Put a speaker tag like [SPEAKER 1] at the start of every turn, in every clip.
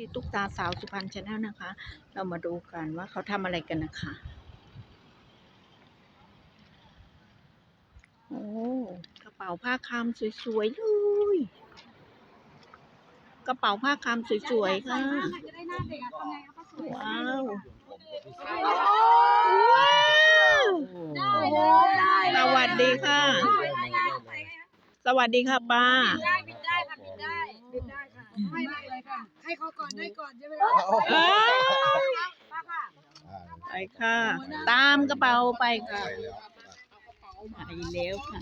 [SPEAKER 1] ที่ตุ๊กตาสาวสุพรรณชาแนลนะคะ เรามาดูกันว่าเขาทำอะไรกันนะคะ โอ้กระเป๋าผ้าคามสวยๆเลยกระเป๋าผ้าคามสวยๆค่ะว้าวว้าวสวัสดีค่ะ สวัสดีค่ะป้า
[SPEAKER 2] บินได้ค่ะบินได้ค่ะให้เลยค่ะให้เขาก่อนได้ก่อนใช่ไหมป้าค่ะ
[SPEAKER 1] ไปค่ะ ตามกระเป๋าไปค่ะไปแล้วค่ะ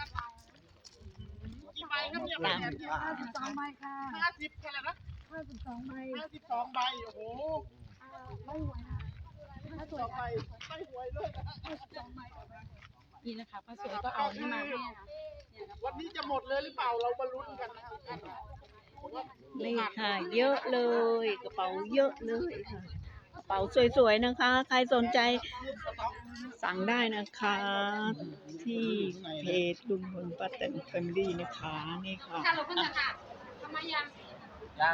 [SPEAKER 1] ตาม
[SPEAKER 2] 52 ใบค่ะ
[SPEAKER 3] 50เท่าไหร่นะ
[SPEAKER 2] 52 ใบ
[SPEAKER 3] 52 ใบโอ้โห
[SPEAKER 2] ไม่หวยนะถ้าสวย
[SPEAKER 3] ไม่หวยเลยนะ
[SPEAKER 2] 52 ใบ
[SPEAKER 4] นี่นะคะป้าสวยก็เอานี่มาให้นะคะ
[SPEAKER 3] วันนี้จะหมดเลยหรือเปล่าเรามาลุ้นกันนะครับ
[SPEAKER 1] นี่ค่ะ เยอะเลยกระเป๋าเยอะเลยค่ะกระเป๋าสวยๆนะคะ ใครสนใจสั่งได้นะคะ ที่เพจลุงพลป้าแตนแฟมิลี่นะคะนี่ค่ะ
[SPEAKER 4] ถ้าเราเพิ่งจะค่ะทำไมยัง
[SPEAKER 3] ยัง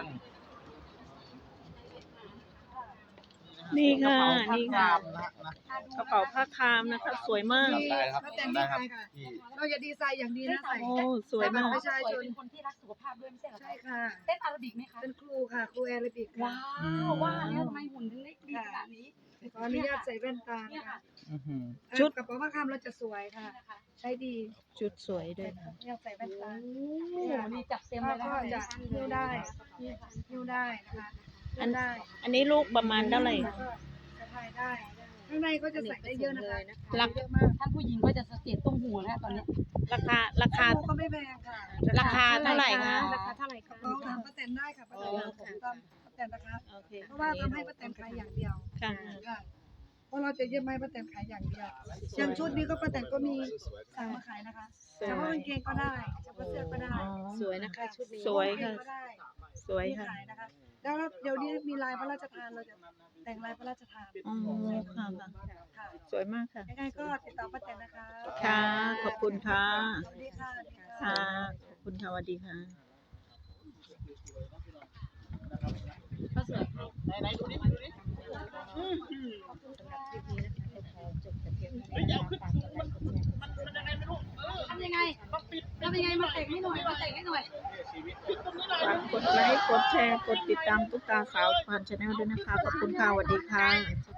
[SPEAKER 1] นี่ค่ะนี่ค่ะ
[SPEAKER 3] นะ
[SPEAKER 1] กระเป๋าผ้าคามนะคะ สวยมาก
[SPEAKER 3] ได้ครับ
[SPEAKER 2] ป้าแตนดีใจค่ะเราจะดีไซน์อย่างดีนะใส่
[SPEAKER 1] โอ้สวยมาก
[SPEAKER 2] ประชาชน
[SPEAKER 4] เป็นคนที่รักสุขภาพด้วยไม่ใช่เหรอ
[SPEAKER 2] ใช่ค่ะ
[SPEAKER 4] เต้นอาราบิกไหมคะ
[SPEAKER 2] เป็นครูค่ะครูแอโรบิกค่ะ
[SPEAKER 4] ว้าวว่าแล้วทำไมหุ่นถึงได้ดีขนาดนี้
[SPEAKER 2] ขออนุญาตใส่แว่นตา
[SPEAKER 4] เนี่ย
[SPEAKER 2] ค่ะ
[SPEAKER 4] ค่ะ
[SPEAKER 1] ชุด
[SPEAKER 2] กระเป๋าผ้าคามเราจะสวยค่ะ ใช้ดี
[SPEAKER 1] ชุดสวยด้วยค่ะ
[SPEAKER 2] อยากใส่แว่นตา
[SPEAKER 4] โอ้โหนี่จับเต็มเลยนะ
[SPEAKER 2] ก็
[SPEAKER 4] คะ
[SPEAKER 2] จะหิ้วได้หิ้วได้นะคะ
[SPEAKER 1] อัน
[SPEAKER 2] ได้
[SPEAKER 1] อันนี้ลูกประมาณเท่าไหร่
[SPEAKER 2] แล้วก็สะพายได้ข้างในก็จะใส่ได้เยอะนะคะ
[SPEAKER 1] ราคา
[SPEAKER 2] เยอะมาก
[SPEAKER 4] ท่านผู้หญิงก็จะสเตตตรงหัวแล้วตอนนี้
[SPEAKER 1] ราคา
[SPEAKER 2] ก็ไม่แพงค่ะ
[SPEAKER 1] ราคาเท่าไหร่คะ
[SPEAKER 4] ราคาเท่าไหร่คะ
[SPEAKER 2] ลองถามป้าแตนได้ค่ะป้าแตน
[SPEAKER 1] อ๋อ
[SPEAKER 2] ตามป้าแตนนะคะ
[SPEAKER 1] โอเค
[SPEAKER 2] เพราะว่าทำให้ป้าแตนขายอย่างเดียว
[SPEAKER 1] ค่ะ
[SPEAKER 2] ค่ะเพราะเราจะเย็บไม้ป้าแตนขายอย่างเดียวอย่างชุดนี้ก็ป้าแตนก็มีสั่งมาขายนะคะเฉพาะกางเกงก็ได้เฉพาะเสื้อก็ได้
[SPEAKER 1] อ๋อ
[SPEAKER 4] สวยนะคะชุดนี้
[SPEAKER 1] สวยค่ะ
[SPEAKER 2] กางเกงก็ได้
[SPEAKER 1] สวย
[SPEAKER 2] มี
[SPEAKER 1] ค่ะ
[SPEAKER 2] ขายนะคะแล้วเดี๋ยวนี้มีลายพระราชทานเราจะแต่งลายพระราชทาน
[SPEAKER 1] อ๋อค่ะค่ะ
[SPEAKER 2] ค่ะ
[SPEAKER 1] สวยมากค่ะ
[SPEAKER 2] ยังไงก็ติดต่อป้าแตนนะคะ
[SPEAKER 1] ค่ะ ขอบคุณค่ะ
[SPEAKER 2] สวัสดีค่ะ
[SPEAKER 1] ค่ะ ขอบคุณค่ะสวัสดีค่ะ
[SPEAKER 4] ป้าสวย
[SPEAKER 3] ไหนดูดิดูดิเฮ้ยเอาขึ้นมันยังไงไม่รู้
[SPEAKER 4] ทำยังไง
[SPEAKER 3] ต้องปิด
[SPEAKER 4] ทำยังไงมาแต่งให้หน่อยมาแต่งให้หน่อย
[SPEAKER 3] ชีวิตปิดตรงนี้หน่อย
[SPEAKER 1] ฝากกดไลค์ กดแชร์ กดติดตามตุ๊กตาสาวสุพรรณชาแนลด้วยนะคะ ขอบคุณค่ะสวัสดีค่ะ